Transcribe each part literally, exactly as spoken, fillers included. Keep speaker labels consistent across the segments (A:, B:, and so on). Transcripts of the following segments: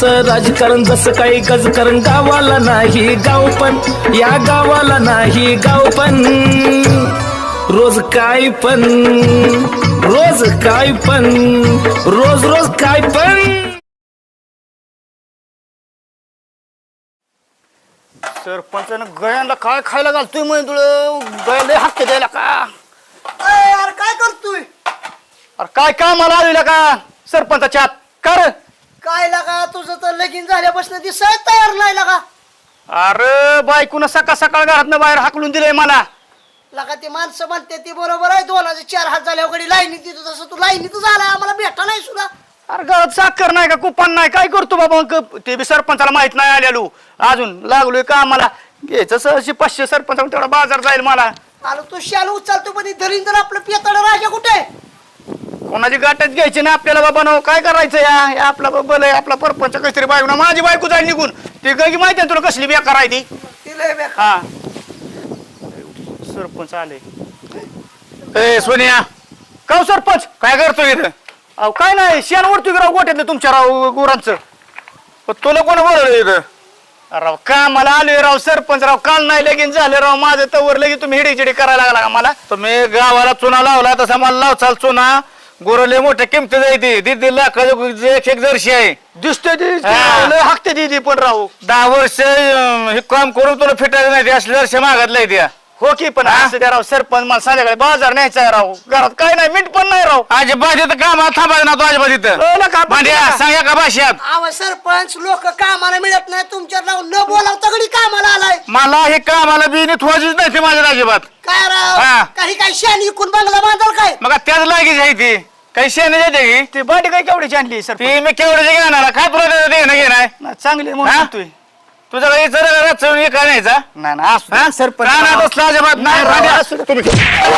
A: असं राजकारण जसं काही गजकारण गावाला नाही गाव पण या गावाला नाही गाव पण रोज काय पण रोज काय पण रोज रोज काय पण
B: सरपंचानं गळ्यांना काय खायला घालतोय म्हणजे तुला गळ्याला हक्क द्यायला का
C: यार काय करतोय
B: अरे काय कामाला आलेला का सरपंचाच्या आत कर
C: काय लागा तुझं तर लगीन झाल्यापासून दिसाय तयार नाही लागा
B: अरे बायकोनं सकाळ सकाळ घरातनं बाहेर हाकलून दिलंय मला
C: लागा ती माणसं म्हणते ती बरोबर आहे दोनाचे चार हात झाल्या वगैरे लाईनी तिथं तसं तू लाईनीत झाला आम्हाला भेटा नाही सुद्धा
B: अरे घरात साखर नाही का कुपन नाही काय करतो बाबा मग ते बी सरपंचाला माहित नाही आलेलो अजून लागलोय का आम्हाला घ्यायचं सहशी पाचशे सरपंच तेवढा बाजार जाईल मला
C: आलो तू शाल उचलतो पण धरीन तर आपलं पियातड राजा कुठे
B: कोणाची गाठच घ्यायची ना आपल्याला बाबा नो काय करायचं या हे आपला बबल आहे आपला परपंच कसरी बायको ना माझी बायको जाईल निघून ती गगी माहिती आहे तुला कसली बेकार आहे ती
C: तिला
B: हा सरपंच आले
D: ए सोनिया
B: का हो सरपंच
D: काय करतोय इथं
B: अहो काय नाही शेण वरती राव गोठ्यातलं तुमच्या राव गुरांचं
D: तुला कोण बोलवलं इथं
B: राव का मला आलोय राव सरपंच राव काल नाही लगीन झालं राव माझं तवर लगेच तुम्ही हिडीचिडी करायला लागला का मला
D: तुम्ही गावाला चुना लावला तसा मला लावचाल चुना गोरले मोठ्या किमती जायती दीड लाख एक एक जर्शी आहे
B: दिसतोय ती
D: हा.
B: लय हाकते ती पण राहू
D: दहा वर्ष अं, हे काम करून तुला फिटायचं नाही ते असले जर्शी मागतलाय त्या
B: हो की पण असं द्या राव सरपंच मला संध्याकाळी बाजार न्यायचा आहे राव घरात काय नाही मीठ पण नाही राव
D: अजिबात इथं कामाला थांबायचं ना तो अजिबात इथं
B: कळलं का?
D: भांड्या सांगा का भाषात
C: आव सरपंच लोक कामाला मिळत नाही तुमच्या नाव न बोलावता गडी कामाला आलाय
D: मला हे कामाला बी ठोवायचीच नाही ते माझ्या अजिबात
C: काय
D: हा.
C: राव काही काही शानी इकून बंगला बांधाल काय
D: मग त्याच लागीच आहे ती काही शेण येते की
B: ती बाटी काय केवढीची आणली सर
D: ती मी केवढ्याचे घेणार काय तुला देणं घेणार
B: चांगली
D: हा?
B: म्हणून तू
D: तुझा काही चढ हे काय न्यायचा
B: नाही ना असू
D: हा?
B: दे, सरपंच
D: रानात
B: राव.
D: बसला अजिबात नाही
B: राव,
D: भांड्या.
B: असू दे.
D: तुम्ही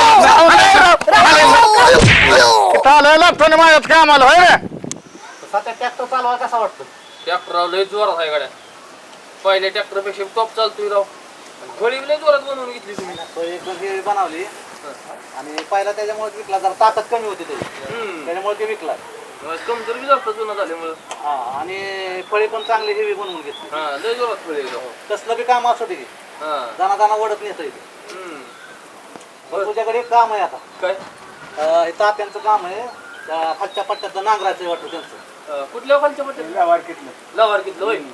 D: इथं आलोय लागतो ना माझ्यात कामाला होय रे
B: ट्रॅक्टर चालवा कसा वाटतो
E: ट्रॅक्टर लय जोरात आहे गाड्या पहिल्या ट्रॅक्टर पेक्षा टॉप चालतोय राव फळी लय जोरात बनवून घेतली तुम्ही
F: बनवली आणि पहिला त्याच्यामुळे विकला जरा ताकद कमी होती त्याची
E: हम्म
F: त्याच्यामुळे ते विकला
E: कमजोर बी जास्त जुना झाल्यामुळं
F: हा आणि फळी पण चांगली हेवी बनवून घेतली
E: हा लय जोरात फळी राव
F: कसलं बी काम असू दे
E: हा
F: दाना दाना ओढत नेत इथे
E: हम्म
F: पण तुझ्याकडे एक काम आहे आता
E: काय
F: अं, हे तात्यांचं काम आहे त्या खालच्या पट्ट्यातलं नांगराचं वाटतं त्यांचं
E: अं, कुठल्या खालच्या पट्ट्यात लवार कितलं होय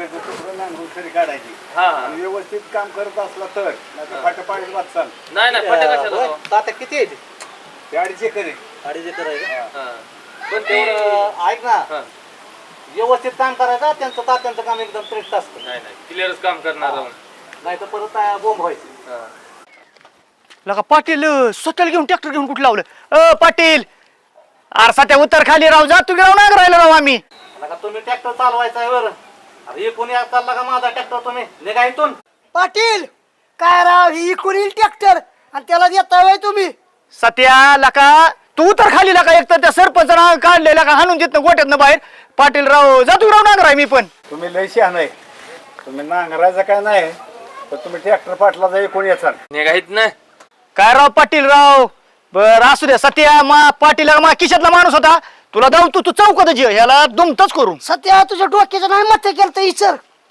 F: काढायची
E: हा हा
F: व्यवस्थित काम करत असला तर फाट्या पाणी वाचाल
E: नाही नाही पट्ट्या कशाला राव?
F: तात्या किती आहे ते?
G: ते अडीच एकर आहे.
F: अडीच एकर आहे का?
E: हा पण ते
F: तेवढं ऐक ना
E: हा
F: व्यवस्थित काम करायचं त्यांचं तात्यांचं काम एकदम श्रेष्ठ असतं
E: नाही नाही क्लिअरच काम करणार राव
F: नाही तर परत बोंब व्हायची
E: हा
B: लगा पाटील अं, स्वतःला घेऊन ट्रॅक्टर घेऊन कुठं लावलं अ पाटील आरसा त्या उतर खाली राव जा तू गेला नाही राहिलो राव आम्ही
F: आता तुम्ही ट्रॅक्टर चालवायचा आहे बरं अरे हे कोणी चालला का माझा ट्रॅक्टर तुम्ही निघा इथून
C: पाटील काय राव ही इकून येईल ट्रॅक्टर आणि त्याला देता वय तुम्ही
B: सत्या लका तू उतर खाली लका एक तर त्या सरपंचानं काढलेला का हाणून देत गोट्यातनं बाहेर पाटील राव जा तू राव नांगराय मी पण
G: तुम्ही लय शहाण आहे तुम्ही नांगरायचं काय नाही पण तुम्ही ट्रॅक्टर पाटला जाई कोणी याचा
E: निघायत ना
B: काय राव पाटील राव बर असू द्या सत्या मा पाटील मा खिशातला माणूस होता तुला जाऊ तू तू चौकात जे ह्याला दुमतच करून
C: सध्या तुझ्या डोक्याचं नाही मत केलं तर इचर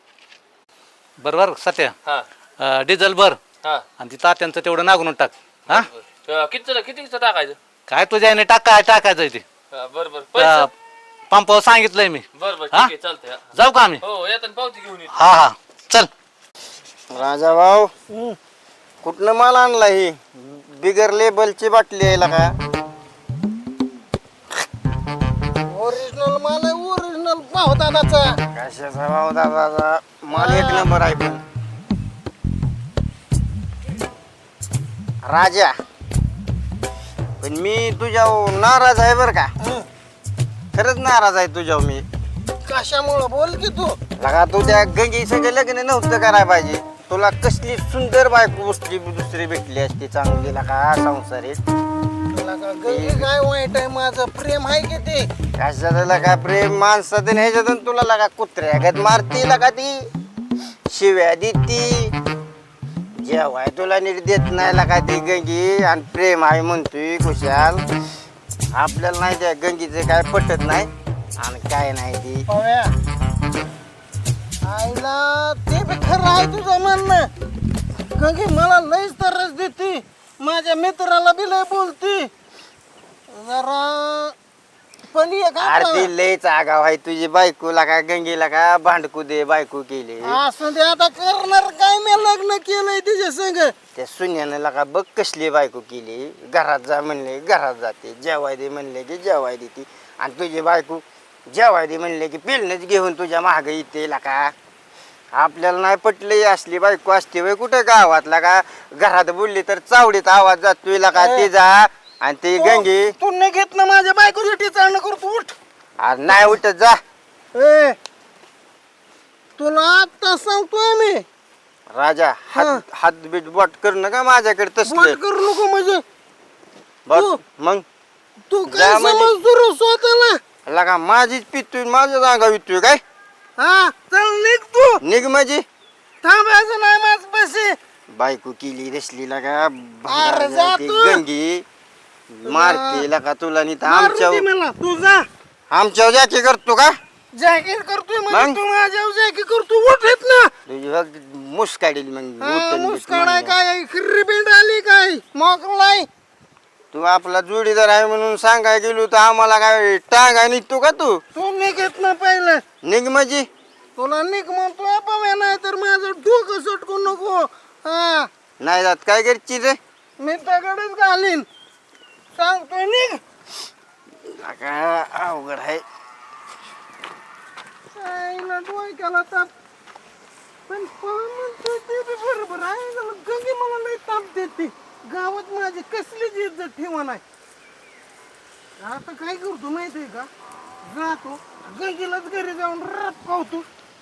F: बरोबर सत्या
E: हा
F: डिझेल भर
E: हा
F: आणि ती तात्यांचं तेवढं नागून टाक हा
E: किती किती टाकायचं
F: काय तुझ्या याने टाका टाकायचं ते
E: हा, बरं बरं पैसे
F: पंपावर सांगितलंय मी
E: बरं बरं ठीक
F: हा?
E: आहे चालतंय हा.
F: जाऊ का आम्ही
E: हो येताना पावती घेऊन येतो
F: हा हा चल
H: राजा भाऊ कुठनं माल आणला ही बिगर लेबलची बाटली आहे का
C: ओरिजिनल माल आहे ओरिजिनल भाव दादाचा
H: कशाचा भाऊ दादा माल एक नंबर आहे पण राजा पण मी तुझ्या नाराज आहे बर का खरंच नाराज आहे तुझ्या मी
C: कशामुळं बोल की तू
H: लगा तुझ्या गंगी सगळं लग्न नव्हतं करायला पाहिजे तुला कसली सुंदर बायको दुसरी दुसरी भेटली असती चांगली लगा संसारीत
C: तुला का गंगी काय वाईट आहे माझं प्रेम आहे की ते
H: कशाला लगा प्रेम माणसातून ह्याच्यातून तुला लगा कुत्र्यागत मारती लगा ती शिव्या देती जेवाय तुला नीट देत नाही लगा ती गंगी आणि प्रेम आहे म्हणतोय खुशाल आपल्याला नाही त्या गंगीचं काय पटत नाही आणि काय नाही ती
C: पव्या
I: आईला ते बी खरं आहे तुझं म्हणणं. गंगे मला लयच तरच देते, माझ्या मित्राला बी लय बोलती जरा. पण एक
H: अरे
I: आपलं-
H: ती लयच आगाव आहे तुझी बायकोला का गंगेला का भांडकू दे बायको केली.
I: असं ते आता करणार काय, मी लग्न केलंय तिच्या संग.
H: त्या सुन्यानं लका बघ कसली बायको केली. घरात जा म्हणले घरात जाते, जेवाय दे म्हणले की जेवाय देते. आणि तुझी बायको जेवाय दे म्हणले की पिलनच घेऊन तुझ्या मागं येते लका. आपल्याला नाही पटली असली बायको असते वय कुठे गावातला का. घरात बोलली तर चावडीत आवाज जातोय लका तिचा. आणि ती गंगी
I: तू नाही घेत ना माझ्या बायकोसाठी चालणं करतो. उठ.
H: अरे नाही उठत जा.
I: ए तुला आता सांगतोय मी,
H: राजा हात हात बीट बोट करणं का माझ्याकडे
I: वाट
H: तसलं
I: करू नको. म्हणजे
H: बघ मग
I: तू
H: जा
I: काय
H: म्हणजे.
I: समजतो रे स्वतःला.
H: लगा माझीच पितोय माझ्या जागा वितोय काय.
I: हा चल निघ तू.
H: निघ माझी
I: थांबायचं नाही माझ पैसे.
H: बायको केली रसली लगा
I: अरे जा
H: ती
I: तू.
H: गंगी मारते लगा तुला नाही तर
I: मारू दे
H: आमच्या
I: मला. तू जा.
H: आमच्या जाकी करतो का
I: जॅकेट करतोय म्हणजे
H: मग?
I: तू माझ्यावर जॅकेट करतो. उठ येत ना.
H: तुझी बघ मुस काढील मग
I: हा,
H: उठून बीट
I: मुस्कान आहे
H: म्हणलं.
I: काय, खिर्री बिंड आली काय, मोकळाय.
H: तू आपला जोडीदार आहे म्हणून सांगाय गेलो तर आम्हाला काय टांगा निघतो का तू.
I: तू निघत ना पहिलं.
H: निघ माझी
I: तुला निघ म्हणतोय पव्या, नाही तर माझं डोकं सटकू नको. हा
H: नाही जात काय करची रे.
I: मी तगडच घालीन. सांगतोय निघ.
H: लगा अवघड आहे.
I: आईला डोक्याला ताप. पण पवन म्हणतोय ते बी बरोबर आहे. जरा गंगे मला लई ताप देते. गावात माझी कसलीच इज्जत ठेवा नाही. आता काय करतो माहितीये का, जातो गंगेलाच घरी जाऊन रात पावतो.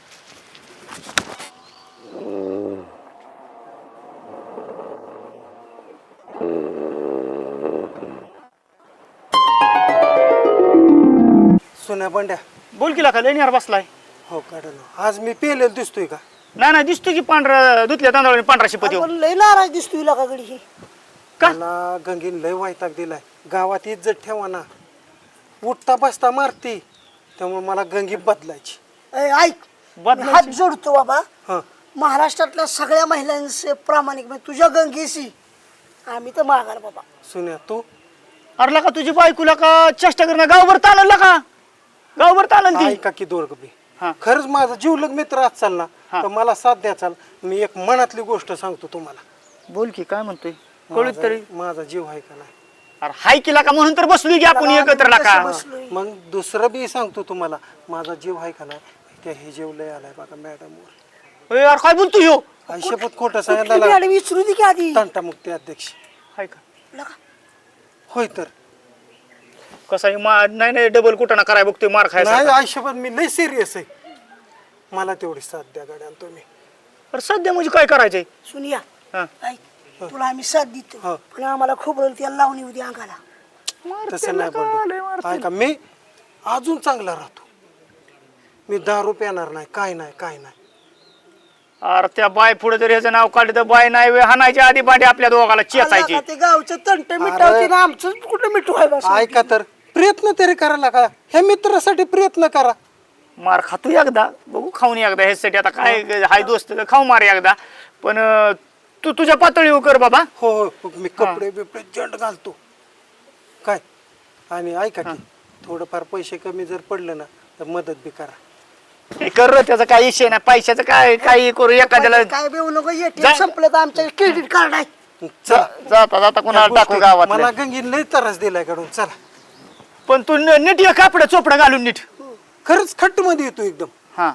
F: सोन्या बंड्या.
B: बोल की का लेण्यावर बसलाय.
F: हो काढ ना. आज मी पेलेलं दिसतोय का.
B: नाही नाही दिसतो की पांढरा धुतल्या तांदळाने पांढरा शिपती.
C: आपण लय नाराज दिसतोय का गडी ही.
B: का?
F: मला गंगीन लय वैताग दिलाय. गावात इज्जत ठेवा ना. उठता बसता मारती, त्यामुळे मला गंगी बदलायची.
C: ए, ऐक
B: बदलायची?
C: हात जोडतो बाबा.
F: हा
C: महाराष्ट्रातल्या सगळ्या महिलांचे प्रामाणिक म्हणजे तुझ्या गंगेशी आम्ही तर माघार बाबा.
F: सोन्या तू
B: अरे का तुझी बायकोला का चेष्टा करणं गावभर ताणलं का. गावभर ताणलं ती.
F: ऐका की दोर बी.
B: हा.
F: खरंच माझा जीवलग मित्र आज चालला
B: हा.
F: तर मला साथ द्या चाल. मी एक मनातली गोष्ट सांगतो तुम्हाला.
B: बोल की काय म्हणतोय कळूच
F: माझा-
B: तरी.
F: माझा जीव आहे का नाही.
B: अरे हाय केला का म्हणून तर बसलोय की आपण एकत्र ला का.
C: बसलोय.
F: मग दुसरं बी सांगतो तुम्हाला. माझा जीव आहे का नाही. त्या हे जीव लय आलाय बघा मॅडमवर.
B: यार काय बोलतो ह्यो.
F: आयुष्यपत खोटं
C: कुठली
F: सांगितलं.
C: मॅडम विचारू दे की आधी.
F: तंटामुक्ती अध्यक्ष.
B: हाय का
C: लका.
F: होय तर
B: कसा नाही नाही डबल कुठं ना कराय बघतोय मार
F: नाही
B: खायचा.
F: आयुष्यभर मी लय सिरियस आहे. मला तेवढी साथ द्या गाड्या तुम्ही.
B: अरे सध्या म्हणजे काय करायचंय.
C: सुनिया
B: हा.
C: ऐक तुला आम्ही साथ देतो
F: हा.
C: पण आम्हाला खोबरं त्याला लावून येऊ दे अंगाला.
F: तसं नाही बोलतो. ऐका मी अजून चांगला राहतो. मी दारू पिणार नाही, काय नाही काय नाही.
B: अरे त्या बाय पुढे जर ह्याचं नाव काढलं तर बाय नाही वे हाणायच्या आधी बांडे आपल्या दोघाला चेचायची.
C: आला का ते गावचं तंट मिटावते ना आमचं कुठं मिठू आहे बस.
F: ऐका तर प्रयत्न तरी करायला का. ह्या मित्रासाठी प्रयत्न करा.
B: मार खातो एकदा बघू खाऊन एकदा ह्यासाठी आता काय हाय दोस्त खाऊ मार एकदा. पण अं, तू तुझ्या पातळीवर कर बाबा.
F: हो हो मी कपडे बिपडे जंट घालतो काय. आणि ऐका की थोडंफार पैसे कमी जर पडलं ना तर मदत बी करा.
B: हे कर रे, त्याचा काही विषय नाही. पैशाचं काय काही करू एखाद्याला.
C: काय बेऊ नको एटीएम
B: जा-
C: संपलं तर आमच्या क्रेडिट कार्ड आहे.
F: चला
B: जाता जाता कोणाला टाकू गावात.
F: मला गंगीन लय त्रास दिलाय काढून. चला
B: पण तू न- नीट ये कापड चोपडं घालून नीट.
F: खरंच खट्ट मध्ये येतो एकदम.
B: हा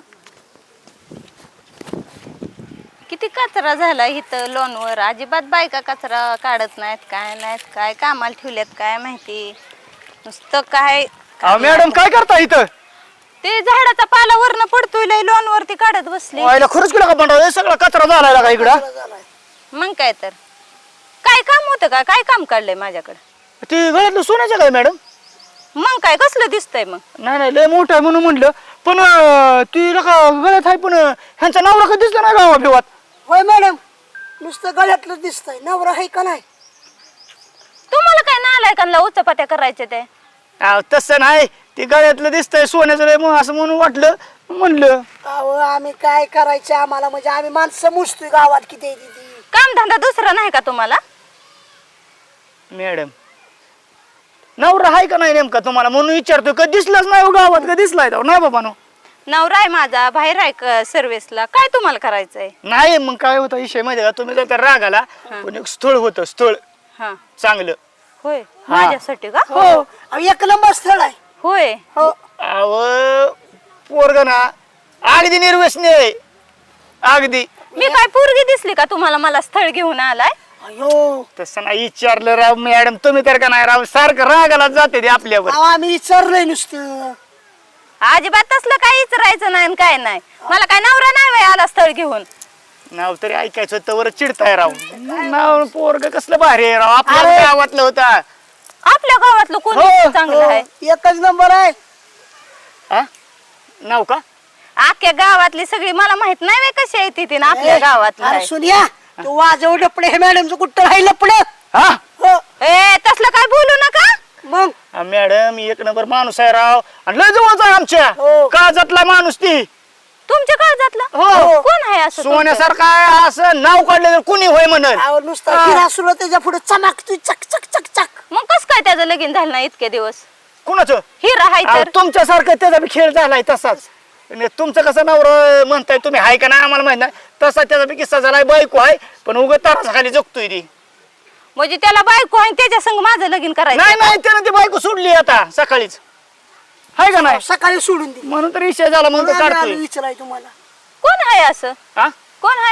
J: किती कचरा झाला इथं लोनवर. अजिबात बायका कचरा काढत नाहीत काय नाहीत. काय कामाला ठेवल्यात काय माहिती. नुसतं काय
B: अहो, मॅडम काय करता इथं.
J: ते झाडाचा पाला वरनं पडतोय लय लोन वरती काढत बसली.
B: व्हायला खरंच केला का बंडा सगळा कचरा झालाय का इकडं.
J: मग काय तर काय काम होतं का. काय काम काढलंय माझ्याकडे.
B: ते गळ्यातलं सोन्याचं काय मॅडम.
J: मग काय कसलं दिसतंय मग.
B: नाही नाही लय मोठं आहे म्हणून म्हणलं. पण अं, ती का गळ्यात आहे पण अं, ह्यांचा नवरा कधी दिसला नाही गावा बिवात.
C: होय मॅडम नुसतं गळ्यातलं दिसतंय नवरा आहे का नाही.
J: तुम्हाला काय नालायकांना उचपात्या करायचे ते.
B: अहो, तसं नाही ते गळ्यातलं दिसतंय सोन्याचं लय मग असं म्हणून वाटलं. म्हणलं
C: अहो आम्ही काय करायचं आम्हाला म्हणजे आम्ही माणसं मुसतोय गावात किती आहे ती
J: काम धंदा दुसरा नाही का तुम्हाला?
B: मॅडम नवरा आहे का नाही नेमका तुम्हाला म्हणून विचारतोय. कधी दिसलाच नाही हो गावात, कधी दिसलाय तो नाही बाबा नो.
J: नवरा आहे माझा, बाहेर आहे सर्व्हिसला. काय तुम्हाला करायचंय?
B: नाही मग काय होतं विषय माहिती का, तुम्ही जर राग आला पण एक स्थळ होतं स्थळ
J: हा
B: चांगलं.
J: होय माझ्यासाठी का?
C: हो अहो, एक नंबर स्थळ आहे.
J: होय
C: हो
B: अव पोरग ना अगदी निर्व्यसनी आहे अगदी.
J: मी काय पोरगी दिसली का तुम्हाला मला स्थळ घेऊन आलाय?
C: अयो
B: तसं नाही विचारलं राव मॅडम, तुम्ही तर का नाही राव सारखं रागाला जाते ते आपल्यावर.
C: अहो, आम्ही विचारलंय नुसतं.
J: अजिबात तसलं काही विचारायचं नाही आणि काय नाही. मला काय नवरा नाही बाई आला स्थळ घेऊन.
B: नाव तरी ऐकायचं होतं वर चिडताय राव. नाव पोरग कसलं भारी आहे राव, आपल्या
C: अरे.
B: गावातलं होतं.
J: आपल्या गावातलं कोण
B: हो,
J: चांगलं आहे?
C: एकच नंबर आहे.
B: हा? नाव का?
J: अख्ख्या गावातली सगळी मला माहित नाही बाई कशी आहे ती ती ना आपल्या गावातली
C: अरे
J: आहे.
C: सुनिया तू वाजव लपडे हे मॅडमचं कुठं राहील लपडे.
B: हा
C: हो
J: ए तसलं काय बोलू नका.
C: मग
B: हा, मॅडम एक नंबर माणूस आहे राव आणि लय जवळचा आहे आमच्या
C: हो.
B: काळजातला माणूस ती.
J: तुमच्या काळजातलं
B: हो.
J: कोण आहे असं तुमच्या?
B: सोन्यासारखं आहे असं नाव काढलं तर कुणी होय म्हणल.
C: अहो नुसता हिरा सुरू त्याच्या पुढे चमकतोय चक चक चक चक.
J: मग कस काय त्याचं लगीन झालं नाही इतके दिवस?
B: कुणाचं?
J: हिरा हाय
B: अहो,
J: तर
B: तुमच्यासारखं त्याचा बी खेळ झालाय तसाच. आणि तुमचं कसं नवरं म्हणताय तुम्ही हाय का नाही आम्हाला माहित नाही, तसा त्याचा बी किस्सा झालाय. बायको आहे पण उगत ताराचा खाली जगतोय ती.
J: म्हणजे त्याला बायको आहे त्याच्या संग माझं लगीन करायचं?
B: नाही नाही त्यानं ती बायको सोडली आता सकाळीच, हाय का नाही?
C: सकाळी सोडून दिली.
B: म्हणून तर विषय झाला म्हणून तो काढतोय.
C: विचाराय तुम्हाला
J: कोण आहे असं?
B: हा
J: कोण आहे?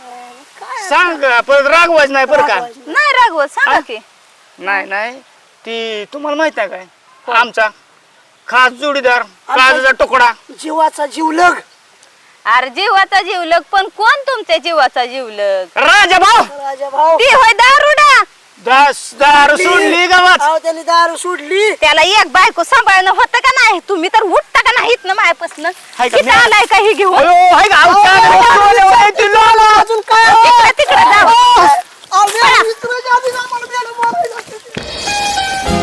B: सांग परत रागवायच नाही बरं का.
J: नाही रागवत सांगा की.
B: नाही नाही ती तुम्हाला माहित आहे काय, आमचा खास जोडीदार काळजाचा तुकडा.
C: जीवाचा जीवलग
J: अरे जीवाचा जीवलग पण कोण तुमच्या जीवाचा जीवलग?
B: राजा भाऊ
C: राजा भाऊ.
J: ती होय दारुडा.
B: दास दारू सोडली गावात.
C: अहो त्यांनी दारू सोडली.
J: त्याला एक बायको सांभाळणं होतं का नाही? तुम्ही तर उठता का नाहीत ना मायापासून?
B: हाय का?
J: किती आलाय का हे घेऊन?
B: अयो, हाय का? अहो, चांगलं ती लोला.
C: अजून काय
J: तिकडे तिकडे जाऊ.
C: अहो, मॅडम, विचारायच्या आधीच आम्हाला मॅडम बोलायला लागते.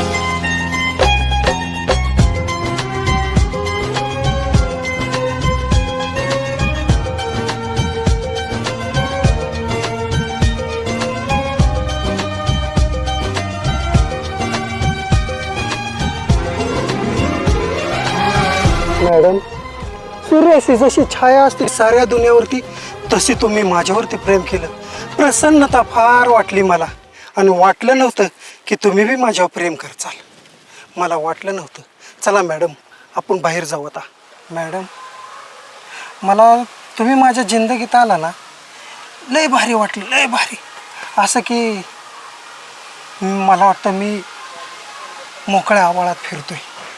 F: मॅडम सूर्याची जशी छाया असते साऱ्या दुनियावरती तशी तुम्ही माझ्यावरती प्रेम केलं. प्रसन्नता फार वाटली मला आणि वाटलं नव्हतं की तुम्ही बी माझ्यावर प्रेम करचाल. मला वाटलं नव्हतं. चला मॅडम आपण बाहेर जाऊ आता. मॅडम मला तुम्ही माझ्या जिंदगीत आला ना लय भारी वाटलं, लय भारी. असं की मला वाटतं मी मोकळ्या आवाळात फिरतोय.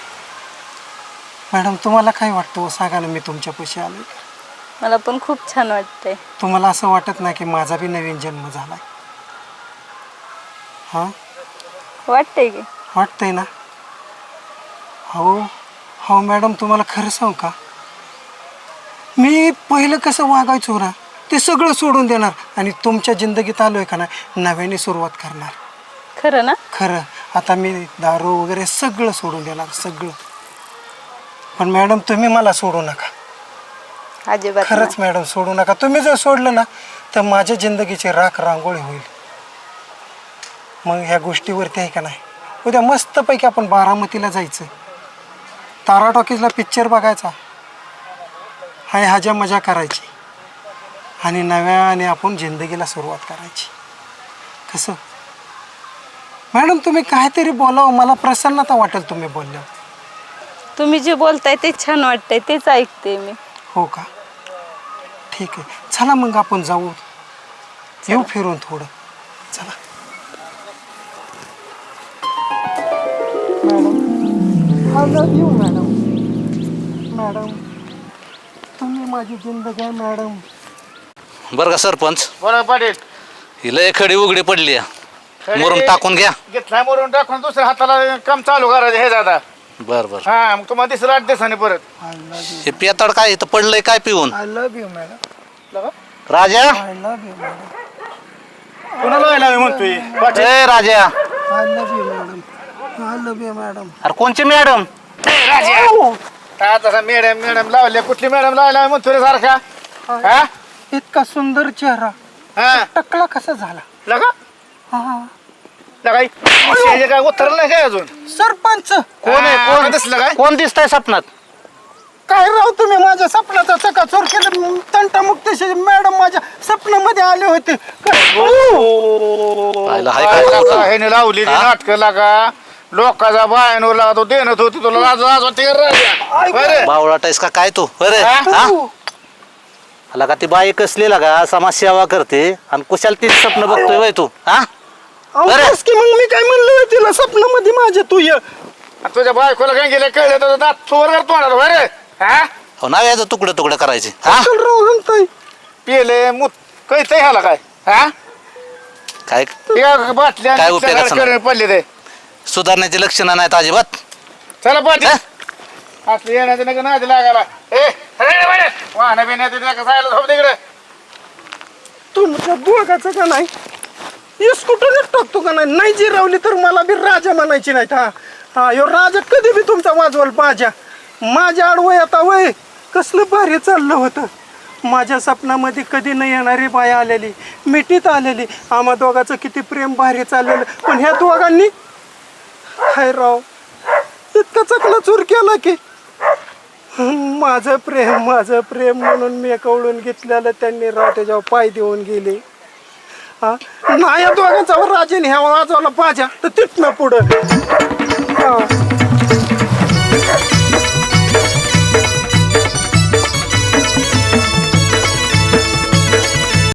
F: मॅडम तुम्हाला काय वाटतं सांगा ना, मी तुमच्यापाशी आलो.
J: मला पण खूप छान वाटतंय.
F: तुम्हाला असं वाटत नाही की माझा बी नवीन जन्म झाला? हां
J: वाटतंय की?
F: वाटतंय ना? हो हो मॅडम तुम्हाला खरं सांगू का, मी पहिलं कसं वागायचो ना ते सगळं सोडून देणार आणि तुमच्या जिंदगीत आलोय का ना नव्याने सुरुवात करणार.
J: खरं ना?
F: खरं. आता मी दारू वगैरे सगळं सोडून देणार सगळं. पण मॅडम तुम्ही मला सोडू नका.
J: अजिबात
F: खरंच मॅडम सोडू नका. तुम्ही जर सोडलं ना तर माझ्या जिंदगीची राख रांगोळी होईल. मग ह्या गोष्टीवरती आहे का नाही, उद्या मस्तपैकी आपण बारामतीला जायचं, तारा टॉकीजला पिक्चर बघायचा, हाय हाज्या मजा करायची आणि नव्याने आपण जिंदगीला सुरुवात करायची. कसं मॅडम तुम्ही काहीतरी बोलावं, मला प्रसन्नता वाटेल तुम्ही बोलल्यावर.
J: तुम्ही जे बोलताय ते छान वाटतंय तेच ऐकते मी.
F: हो का? ठीक आहे. चला मग आपण जाऊ, येऊ फिरून थोडं. चला madam. I love you madam. Madam तुम्ही माझी जिंदगी आहे मॅडम.
D: बरं का सरपंच,
B: बोला पाटील.
D: ही लय खडी उघडी पडली आहे. मुरुम टाकून घ्या.
B: घेतलाय मोरून टाकून दुसऱ्या हाताला काम चालू करायचं हे दादा.
D: बर बर.
B: हा मग तुम्हाला दिसलं आठ दिवसाने परत.
F: I love you.
D: हे पियाताड काय इथं पडलंय काय पिऊन?
F: I love you madam.
D: Raja,
F: I love you madam.
B: कोणाला व्हायला म्हणतोय पाटील?
D: ए Raja.
F: I love you madam. I love you madam.
D: अरे कोणची मॅडम?
B: राजा
D: हा तसा मॅडम मॅडम लावले कुठली मॅडम लावला म्हणतो रे सारखा हा
F: इतका सुंदर चेहरा
D: हा
F: टकला कसा झाला?
D: लगा
F: हा
D: लगाई काय उतरलं नाही काय अजून
F: सरपंच
B: कोण आहे
D: हा,
B: कोण
D: दिसलं काय?
B: कोण दिसतंय स्वप्नात?
F: काय राव तुम्ही माझ्या स्वप्नाचा चकाचोर केलं. तंटामुक्तेशी मॅडम माझ्या स्वप्नामध्ये आले होते.
D: ह्याने लावली नाटक लागा लोकांचा बायानवर लागा तो देणत होती तुला लाज लाज वाटते का रे? बरं.
K: बावळाटायस का काय तू अरे हा आला का ती बाई कसली लागा समाजसेवा करते आणि कुशाल ती स्वप्न बघतोय वय तू हा
F: अहो, बस की मग मी काय म्हणलं तिला स्वप्नामध्ये माझ्या तू ये.
D: तुझ्या बायकोला काय गेलं कळलं तर दात चोर तोंडात बरं हा
K: हो ना याचं तुकडं तुकडं करायचे हा
F: चल राव हलताय.
D: पिले मुत कळतंय ह्याला काय हा
K: काय
D: या बाटल्या
K: काय उपयोगाचं नाही.
D: पडले ते
K: सुधारण्याची लक्षणं नाहीत अजिबात
D: चला पाठी असलं येण्याचं नका नादी लागायला ए वाहन बिण्याचं नका जायला झोप तिकडे
F: तुमच्या दोघाचं का नाही स्कूटरच टाकतो का नाही नाही जिरवली तर मला बी राजा म्हणायची नाहीत. हा हा यो राजा कधी बी तुमचा वाजवल माझ्या माझ्या आडवय आता वय कसलं भारी चाललं होतं. माझ्या स्वप्नामध्ये कधी नाही येणारी बाई आलेली मिठीत आलेली आम्हा दोघाचं किती प्रेम भारी चाललेलं पण ह्या दोघांनी हाय राव इतका चकला चूर केला की माझं प्रेम माझं प्रेम म्हणून मी कवळून घेतलेलं त्यांनी राव त्याच्यावर पाय देऊन गेले. हा नाही दोघांचा राजेने ह्या वाजवला पाजा तर तिथनं पुढं हा